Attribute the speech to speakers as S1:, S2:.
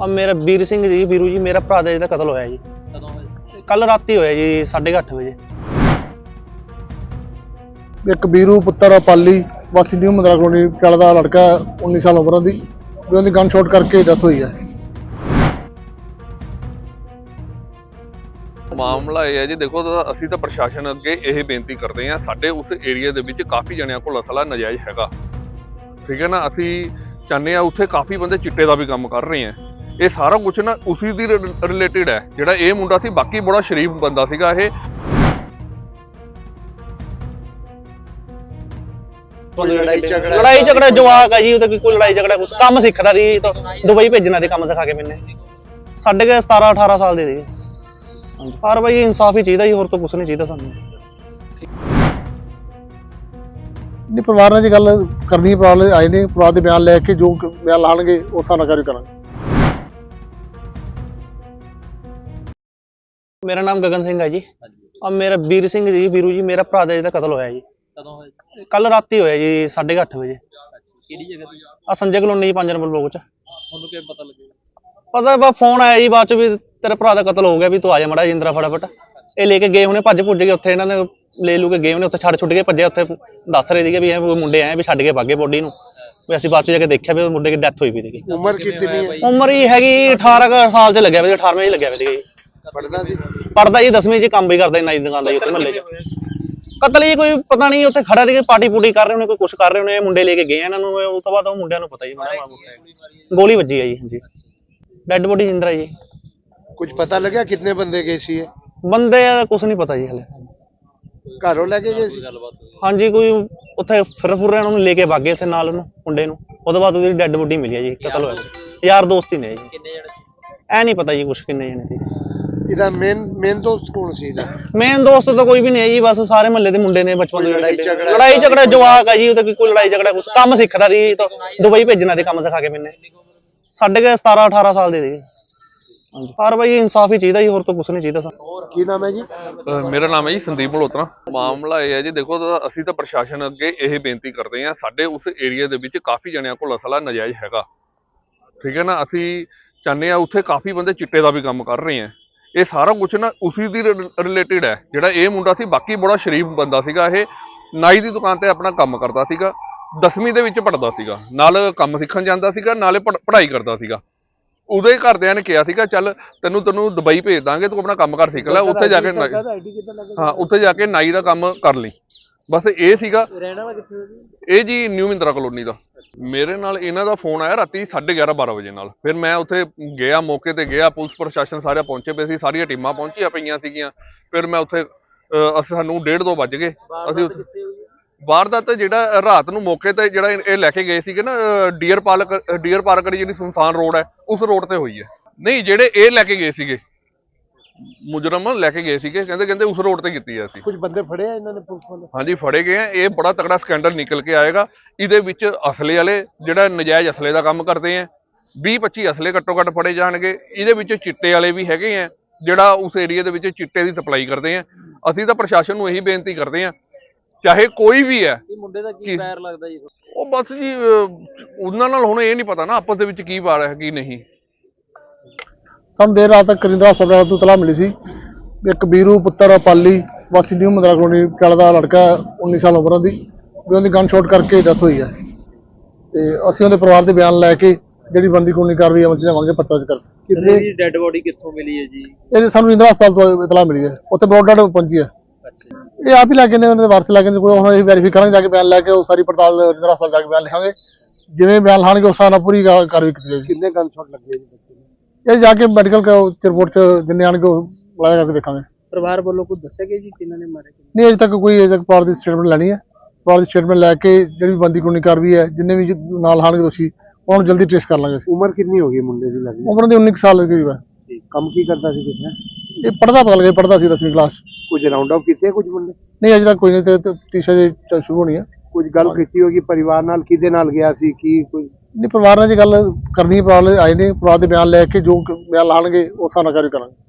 S1: ਆ ਮੇਰਾ ਵੀਰ ਸਿੰਘ ਜੀ, ਵੀਰੂ ਜੀ, ਮੇਰਾ ਭਰਾ ਦਾ ਜਿਹਦਾ ਕਤਲ ਹੋਇਆ ਜੀ।
S2: ਕਦੋਂ ਹੋਇਆ?
S1: ਕੱਲ ਰਾਤੀ ਹੋਇਆ ਜੀ 8:30 ਵਜੇ।
S3: ਇੱਕ ਵੀਰੂ ਪੁੱਤਰ ਪਾਲੀ ਵਾਸੀ ਨਿਊ ਮੰਦਰਾ ਕਲੋਨੀ ਪਟਿਆਲਾ ਦਾ ਲੜਕਾ 19 ਸਾਲ ਉਮਰ ਦੀ ਵੀ ਉਹਦੀ ਗਨ ਸ਼ਾਟ ਕਰਕੇ ਡੈਥ ਹੋਈ ਹੈ।
S4: ਮਾਮਲਾ ਇਹ ਹੈ ਜੀ, ਦੇਖੋ ਅਸੀਂ ਤਾਂ ਪ੍ਰਸ਼ਾਸਨ ਅੱਗੇ ਇਹ ਬੇਨਤੀ ਕਰਦੇ ਹਾਂ, ਸਾਡੇ ਉਸ ਏਰੀਆ ਦੇ ਵਿੱਚ ਕਾਫੀ ਜਣਿਆਂ ਕੋਲ ਅਸਲਾ ਨਜਾਇਜ਼ ਹੈਗਾ, ਠੀਕ ਹੈ ਨਾ। ਅਸੀਂ ਚਾਹੁੰਦੇ ਹਾਂ ਉੱਥੇ ਕਾਫੀ ਬੰਦੇ ਚਿੱਟੇ ਦਾ ਵੀ ਕੰਮ ਕਰ ਰਹੇ ਆ। ਇਹ ਸਾਰਾ ਕੁਝ ਨਾ ਉਸੇ ਦੀ ਰਿਲੇਟਿਡ ਹੈ। ਜਿਹੜਾ ਇਹ ਮੁੰਡਾ ਸੀ, ਬਾਕੀ ਬੜਾ ਸ਼ਰੀਫ ਬੰਦਾ ਸੀਗਾ ਇਹ।
S1: ਲੜਾਈ ਝਗੜਾ ਜਵਾਕ ਆ ਜੀ, ਉਹਦਾ ਕੋਈ ਲੜਾਈ ਝਗੜਾ ਕੁਛ ਕੰਮ ਸਿੱਖਦਾ ਸੀ ਤਾਂ ਦੁਬਈ ਭੇਜਣਾ ਦੇ ਕੰਮ ਸਿਖਾ ਕੇ ਮੈਨੇ। ਸਾਡੇ ਕੇ 17-18 ਸਾਲ ਦੇ ਸੀ। ਪਰ ਬਾਈ ਇਨਸਾਫ ਹੀ ਚਾਹੀਦਾ ਜੀ, ਹੋਰ ਤਾਂ ਕੁਛ ਨਹੀਂ ਚਾਹੀਦਾ ਸਾਨੂੰ।
S3: ਨਹੀਂ, ਪਰਿਵਾਰ ਨਾਲ ਜੀ ਗੱਲ ਕਰਨੀ, ਪਰਿਵਾਰ ਵਾਲੇ ਆਏ ਨੇ, ਪਰਿਵਾਰ ਦੇ ਬਿਆਨ ਲੈ ਕੇ ਜੋ ਬਿਆਨ ਲਾਣਗੇ ਉਸ ਹਿਸਾਬ ਨਾਲ ਕਾਰਵਾਈ ਕਰਾਂਗੇ।
S1: ਮੇਰਾ ਨਾਮ ਗਗਨ ਸਿੰਘ ਹੈ ਜੀ। ਆ ਮੇਰਾ ਵੀਰ ਸਿੰਘ ਜੀ, ਵੀਰੂ ਜੀ, ਮੇਰਾ ਭਰਾ ਦਾ ਜਿਹਦਾ ਕਤਲ ਹੋਇਆ ਜੀ।
S2: ਕਦੋਂ ਹੋਇਆ?
S1: ਕੱਲ ਰਾਤੀ ਹੋਇਆ ਜੀ 8:30 ਵਜੇ।
S2: ਅੱਛਾ, ਕਿਹੜੀ ਜਗ੍ਹਾ ਤੇ?
S1: ਆ ਸੰਜੇ ਕਲੋਨੀ 5 ਨੰਬਰ ਬਲੋਕ ਚ।
S2: ਤੁਹਾਨੂੰ ਕਿਵੇਂ ਪਤਾ ਲੱਗਿਆ?
S1: ਪਤਾ ਬਾ ਫੋਨ ਆਇਆ ਜੀ ਬਾਅਦ ਚ ਵੀ ਤੇਰੇ ਭਰਾ ਦਾ ਕਤਲ ਹੋ ਗਿਆ, ਵੀ ਤੂੰ ਆ ਜਾ ਮੜਾ ਜਿੰਦਰਾ ਫਟਾਫਟ। ਇਹ ਲੈ ਕੇ ਗਏ ਹੁਣੇ, ਭੱਜ ਭੁੱਜ ਗਏ ਉੱਥੇ, ਇਹਨਾਂ ਨੇ ਲੈ ਲੂ ਕੇ ਗਏ ਉਹਨੇ ਉੱਥੇ, ਛੱਡ ਛੁੱਟ ਕੇ ਭੱਜੇ ਉੱਥੇ। ਦੱਸ ਰਹੇ ਸੀਗੇ ਵੀ ਇਹ ਮੁੰਡੇ ਆਏ ਵੀ ਛੱਡ ਕੇ ਭਾਗੇ ਬੋਡੀ ਨੂੰ। ਵੀ ਅਸੀਂ ਬਾਅਦ ਚ ਜਾ ਕੇ ਦੇਖਿਆ ਵੀ ਉਹ ਮੁੰਡੇ ਦੀ ਡੈਥ ਹੋਈ ਪਈ ਸੀਗੀ।
S3: ਉਮਰ ਕਿੰਨੀ ਹੈ?
S1: ਉਮਰ ਹੀ ਹੈਗੀ 18 ਸਾਲ ਚ ਲੱਗਿਆ ਵੀ, 18ਵੇਂ ਚ ਲੱਗਿਆ ਵੀ ਸੀਗਾ ਜੀ।
S3: ਪੜਦਾ ਜੀ?
S1: ਪੜਦਾ ਜੀ 10ਵੀਂ ਚ, ਕੰਮ ਵੀ ਕਰਦਾ ਨਾਈ ਦੁਕਾਨ ਦਾ ਜੀ ਉੱਥੇ ਮਹੱਲੇ ਚ। ਕਤਲ ਹੀ ਕੋਈ ਪਤਾ ਨਹੀਂ, ਉੱਥੇ ਖੜਾ ਸੀਗੇ, ਪਾਰਟੀ ਪੂਟੀ ਕਰ ਰਹੇ ਹੋਣੇ, ਕੋਈ ਕੁਛ ਕਰ ਰਹੇ ਹੋਣੇ। ਮੁੰਡੇ ਲੈ ਕੇ ਗਏ ਇਹਨਾਂ ਨੂੰ, ਉਸ ਤੋਂ ਬਾਅਦ ਉਹ ਮੁੰਡਿਆਂ ਨੂੰ ਪਤਾ ਜੀ ਗੋਲੀ ਵੱਜੀ ਹੈ ਜੀ। ਹਾਂਜੀ, ਡੈਡ ਬੋਡੀ ਜਿੰਦਰਾ ਜੀ।
S3: ਕੁਝ ਪਤਾ ਲੱਗਿਆ ਕਿੰਨੇ ਬੰਦੇ ਗਏ ਸੀ?
S1: ਬੰਦੇ ਕੁਛ ਨਹੀਂ ਪਤਾ ਜੀ ਹਲੇ।
S3: ਘਰੋਂ ਲੈ ਕੇ ਗਏ ਸੀ?
S1: ਹਾਂਜੀ, ਕੋਈ ਉੱਥੇ ਫਿਰ ਫੁਰ ਰਹੇ, ਉਹਨੂੰ ਲੈ ਕੇ ਭਾਗੇ ਉੱਥੇ ਨਾਲ, ਉਹਨੂੰ ਮੁੰਡੇ ਨੂੰ। ਉਹਦੇ ਬਾਅਦ ਉਹਦੀ ਡੈਡ ਬੋਡੀ ਮਿਲੀ ਹੈ ਜੀ। ਕਤਲ ਹੋਇਆ ਯਾਰ ਦੋਸਤ ਹੀ ਨੇ ਜੀ।
S2: ਕਿੰਨੇ ਜਣੇ?
S1: ਐ ਨਹੀਂ ਪਤਾ ਜੀ ਕੁਛ ਕਿੰਨੇ ਜਣੇ ਸੀ।
S3: ਇਹਦਾ ਮੇਨ ਦੋਸਤ ਕੌਣ ਸੀ ਇਹਦਾ?
S1: ਮੇਨ ਦੋਸਤ ਤਾਂ ਕੋਈ ਵੀ ਨਹੀਂ ਹੈ ਜੀ, ਬਸ ਸਾਰੇ ਮਹੱਲੇ ਦੇ ਮੁੰਡੇ ਨੇ, ਬਚਪਨ ਦੇ ਲੜਾਈ ਝਗੜਾ ਜਵਾਕ ਆ ਜੀ, ਉਹਦਾ ਕੋਈ ਲੜਾਈ ਝਗੜਾ ਕੁਛ ਕੰਮ ਸਿੱਖਦਾ ਸੀ ਤਾਂ ਦੁਬਈ ਭੇਜਣਾ ਦੇ ਕੰਮ ਸਿਖਾ ਕੇ ਮੈਨੇ। ਸਾਡੇ ਕੇ 17-18 ਸਾਲ ਦੇ ਸੀ। ਪਰ ਬਾਈ ਇਨਸਾਫ ਹੀ ਚਾਹੀਦਾ ਜੀ, ਹੋਰ ਤਾਂ ਕੁਛ ਨਹੀਂ ਚਾਹੀਦਾ ਸਾਨੂੰ।
S3: ਕੀ ਨਾਮ ਹੈ ਜੀ?
S4: ਮੇਰਾ ਨਾਮ ਹੈ ਜੀ ਸੰਦੀਪ ਮਲਹੋਤਰਾ। ਮਾਮਲਾ ਇਹ ਹੈ ਜੀ, ਦੇਖੋ ਅਸੀਂ ਤਾਂ ਪ੍ਰਸ਼ਾਸਨ ਅੱਗੇ ਇਹ ਬੇਨਤੀ ਕਰਦੇ ਹਾਂ, ਸਾਡੇ ਉਸ ਏਰੀਆ ਦੇ ਵਿੱਚ ਕਾਫੀ ਜਣਿਆਂ ਕੋਲ ਅਸਲਾ ਨਜਾਇਜ਼ ਹੈਗਾ, ਠੀਕ ਹੈ ਨਾ। ਅਸੀਂ ਚਾਹੁੰਦੇ ਹਾਂ ਉੱਥੇ ਕਾਫੀ ਬੰਦੇ ਚਿੱਟੇ ਦਾ ਵੀ ਕੰਮ ਕਰ ਰਹੇ ਆ। ਇਹ ਸਾਰਾ ਕੁਝ ਨਾ ਉਸੇ ਦੀ ਰਿਲੇਟਿਡ ਹੈ। ਜਿਹੜਾ ਇਹ ਮੁੰਡਾ ਸੀ, ਬਾਕੀ ਬੜਾ ਸ਼ਰੀਫ ਬੰਦਾ ਸੀਗਾ ਇਹ। ਨਾਈ ਦੀ ਦੁਕਾਨ ਤੇ ਆਪਣਾ ਕੰਮ ਕਰਦਾ ਸੀਗਾ, 10ਵੀਂ ਦੇ ਵਿੱਚ ਪੜ੍ਹਦਾ ਸੀਗਾ, ਨਾਲ ਕੰਮ ਸਿੱਖਣ ਜਾਂਦਾ ਸੀਗਾ, ਨਾਲੇ ਪੜ੍ਹਾਈ ਕਰਦਾ ਸੀਗਾ। ਉਹਦੇ ਘਰਦਿਆਂ ਨੇ ਕਿਹਾ ਸੀਗਾ ਚੱਲ ਤੈਨੂੰ ਦੁਬਈ ਭੇਜ ਦਾਂਗੇ, ਤੂੰ ਆਪਣਾ ਕੰਮ ਕਰ ਸਿੱਖ ਲੈ, ਉੱਥੇ ਜਾ ਕੇ ਉੱਥੇ ਜਾ ਕੇ ਨਾਈ ਦਾ ਕੰਮ ਕਰ ਲਈ। ਬਸ ਇਹ ਸੀਗਾ। ਇਹ ਜੀ ਨਿਊ ਮੰਦਰਾ ਕਲੋਨੀ ਦਾ। ਮੇਰੇ ਨਾਲ ਇਹਨਾਂ ਦਾ ਫੋਨ ਆਇਆ ਰਾਤੀ 11:30-12 ਵਜੇ ਨਾਲ। ਫਿਰ ਮੈਂ ਉੱਥੇ ਗਿਆ, ਮੌਕੇ ਤੇ ਗਿਆ, ਪੁਲਿਸ ਪ੍ਰਸ਼ਾਸਨ ਸਾਰਾ ਪਹੁੰਚੇ ਪਏ ਸੀ, ਸਾਰੀਆਂ ਟੀਮਾਂ ਪਹੁੰਚੀਆਂ ਪਈਆਂ ਸੀਗੀਆਂ। ਫਿਰ ਮੈਂ ਉੱਥੇ ਸਾਨੂੰ 1:30-2 ਵੱਜ ਗਏ। ਅਸੀਂ ਵਾਰਦਾਤ ਜਿਹੜਾ ਰਾਤ ਨੂੰ ਮੌਕੇ ਤੇ ਜਿਹੜਾ ਇਹ ਲੈ ਕੇ ਗਏ ਸੀਗੇ ਨਾ, ਡੀਅਰ ਪਾਰਕ ਜਿਹੜੀ ਸੁਨਸਾਨ ਰੋਡ ਹੈ, ਉਸ ਰੋਡ ਤੇ ਹੋਈ ਹੈ। ਨਹੀਂ, ਜਿਹੜੇ ਇਹ ਲੈ ਕੇ ਗਏ ਸੀਗੇ ਮੁਜਰਮ ਲੈ ਕੇ ਗਏ ਸੀਗੇ, ਕਹਿੰਦੇ ਉਸ ਰੋਡ ਤੇ ਕੀਤੀ ਹੈ। ਅਸੀਂ ਕੁਝ ਬੰਦੇ ਫੜੇ ਆ ਇਹਨਾਂ ਨੇ, ਪੁਲਿਸ ਵਾਲੇ? ਹਾਂਜੀ, ਫੜੇ ਗਏ ਆ। ਇਹ ਬੜਾ ਤਕੜਾ ਸਕੈਂਡਲ ਨਿਕਲ ਕੇ ਆਏਗਾ। ਇਹਦੇ ਵਿੱਚ ਅਸਲੇ ਵਾਲੇ ਜਿਹੜਾ ਨਜਾਇਜ਼ ਅਸਲੇ ਦਾ ਕੰਮ ਕਰਦੇ ਆ, 20-25 ਅਸਲੇ ਘੱਟੋ ਘੱਟ ਫੜੇ ਜਾਣਗੇ। ਇਹਦੇ ਵਿੱਚ ਚਿੱਟੇ ਵਾਲੇ ਵੀ ਹੈਗੇ ਆ, ਜਿਹੜਾ ਉਸ ਏਰੀਆ ਦੇ ਵਿੱਚ ਚਿੱਟੇ ਦੀ ਸਪਲਾਈ ਕਰਦੇ ਆ। ਅਸੀਂ ਤਾਂ ਪ੍ਰਸ਼ਾਸਨ ਨੂੰ ਇਹੀ ਬੇਨਤੀ ਕਰਦੇ ਆ, ਚਾਹੇ ਕੋਈ ਵੀ ਹੈ।
S2: ਇਹ ਮੁੰਡੇ ਦਾ ਕੀ ਪੈਰ ਲੱਗਦਾ ਜੀ?
S4: ਉਹ ਬਸ ਜੀ ਉਹਨਾਂ ਨਾਲ ਹੁਣ ਇਹ ਨਹੀਂ ਪਤਾ ਨਾ ਆਪਸ ਦੇ ਵਿੱਚ ਕੀ ਵਾਰ ਹੈ ਕੀ ਨਹੀਂ।
S3: ਸਾਨੂੰ ਦੇਰ ਰਾਤ ਤੱਕ ਕਰਿੰਦਰਾ ਹਸਪਤਾਲ ਤੋਂ ਤਲਾਹ ਮਿਲੀ ਸੀ, ਇੱਕ ਵੀਰੂ ਪੁੱਤਰ ਪਾਲੀ ਵਾਸੀ ਨਿਊ ਮੰਦਰਾ ਕਲੋਨੀ ਪਟਿਆਲਾ ਦਾ ਲੜਕਾ 19 ਸਾਲ ਉਮਰ ਦੀ ਵੀ ਉਹਦੀ ਗਨ ਸ਼ਾਟ ਕਰਕੇ ਡੈਥ ਹੋਈ ਹੈ। ਤੇ ਅਸੀਂ ਉਹਦੇ ਪਰਿਵਾਰ ਦੇ ਬਿਆਨ ਲੈ ਕੇ ਜਿਹੜੀ ਬਣਦੀ ਕਾਨੂੰਨੀ ਕਾਰਵਾਈ ਅਮਲ ਚ ਲਿਆਵਾਂਗੇ। ਪਤਾ ਕਰ
S2: ਕਿੰਨੀ ਡੈਡ ਬੋਡੀ ਕਿੱਥੋਂ ਮਿਲੀ ਹੈ ਜੀ?
S3: ਇਹ ਸਾਨੂੰ ਇੰਦਰਾ ਹਸਪਤਾਲ ਤੋਂ ਇਤਲਾਹ ਮਿਲੀ ਹੈ, ਉੱਥੇ ਬਰੋਡਡ ਪਹੁੰਚੀ ਹੈ। ਇਹ ਆਪ ਹੀ ਲੈ ਕੇ ਨੇ, ਉਹਨਾਂ ਦੇ ਵਾਰਸ ਲੈ ਕੇ ਕੋਈ, ਹੁਣ ਅਸੀਂ ਵੈਰੀਫਾਈ ਕਰਾਂਗੇ, ਜਾ ਕੇ ਬਿਆਨ ਲੈ ਕੇ ਉਹ ਸਾਰੀ ਪੜਤਾਲ ਇੰਦਰਾ ਹਸਪਤਾਲ ਜਾ ਕੇ ਬਿਆਨ ਲਿਖਾਂਗੇ। ਜਿਵੇਂ ਬਿਆਨ ਲਾਣਗੇ ਉਸ ਹਿਸਾਬ ਨਾਲ ਪੂਰੀ ਕਾਰਵਾਈ ਕੀਤੀ ਜਾਏਗੀ। ਕਿੰਨੇ ਗਨ ਸ਼ਾਟ ਲੱਗੇ ਜੀ? ਇਹ ਜਾ ਕੇ ਮੈਡੀਕਲ ਰਿਪੋਰਟ ਚ ਜਿੰਨੇ ਆਣਗੇ ਉਹ ਲਾਇਆ ਕਰਕੇ ਦੇਖਾਂਗੇ।
S2: ਪਰਿਵਾਰ ਵੱਲੋਂ ਕੁਝ ਦੱਸਿਆ ਗਿਆ ਜੀ ਕਿਹਨਾਂ ਨੇ ਮਾਰੇ?
S3: ਨਹੀਂ, ਅਜੇ ਤੱਕ ਕੋਈ ਪਰਿਵਾਰ ਦੀ ਸਟੇਟਮੈਂਟ ਲੈਣੀ ਹੈ। ਪਰਿਵਾਰ ਦੀ ਸਟੇਟਮੈਂਟ ਲੈ ਕੇ ਜਿਹੜੀ ਬਣਦੀ ਕਾਨੂੰਨੀ ਕਾਰਵਾਈ ਹੈ, ਜਿੰਨੇ ਵੀ ਨਾਲ ਆਣਗੇ ਦੋਸ਼ੀ, ਉਹਨਾਂ ਨੂੰ ਜਲਦੀ ਟ੍ਰੇਸ ਕਰ ਲਾਂਗੇ।
S5: ਉਮਰ ਕਿੰਨੀ ਹੋ ਗਈ ਮੁੰਡੇ ਦੀ? ਲੱਗੀ
S3: ਉਮਰ ਦੀ 19 ਸਾਲ ਦੀ ਹੈ।
S5: ਕੰਮ ਕੀ ਕਰਦਾ ਸੀ ਕਿਸ?
S3: ਇਹ ਪੜ੍ਹਦਾ ਪਤਾ ਲੱਗਿਆ, ਪੜ੍ਹਦਾ ਸੀ 10ਵੀਂ ਕਲਾਸ।
S5: ਕੁਝ ਰਾਉਂਡ ਅਪ ਕੀਤੇ ਕੁਝ ਮੁੰਡੇ?
S3: ਨਹੀਂ, ਅਜੇ ਤੱਕ ਕੋਈ ਨਹੀਂ, ਤੇ ਤੀਸਰੇ ਸ਼ੁਰੂ ਹੋਣੀ ਹੈ।
S5: ਕੁਝ ਗੱਲ ਕੀਤੀ ਹੋਗੀ ਪਰਿਵਾਰ ਨਾਲ, ਕਿਹਦੇ ਨਾਲ ਗਿਆ ਸੀ ਕੀ ਕੋਈ?
S3: ਨਹੀਂ, ਪਰਿਵਾਰ ਨਾਲ ਜੀ ਗੱਲ ਕਰਨੀ, ਪਰਿਵਾਰ ਵਾਲੇ ਆਏ ਨੇ, ਪਰਿਵਾਰ ਦੇ ਬਿਆਨ ਲੈ ਕੇ ਜੋ ਬਿਆਨ ਲਾਣਗੇ ਉਸ ਹਿਸਾਬ ਨਾਲ ਕਾਰਵਾਈ ਕਰਾਂਗੇ।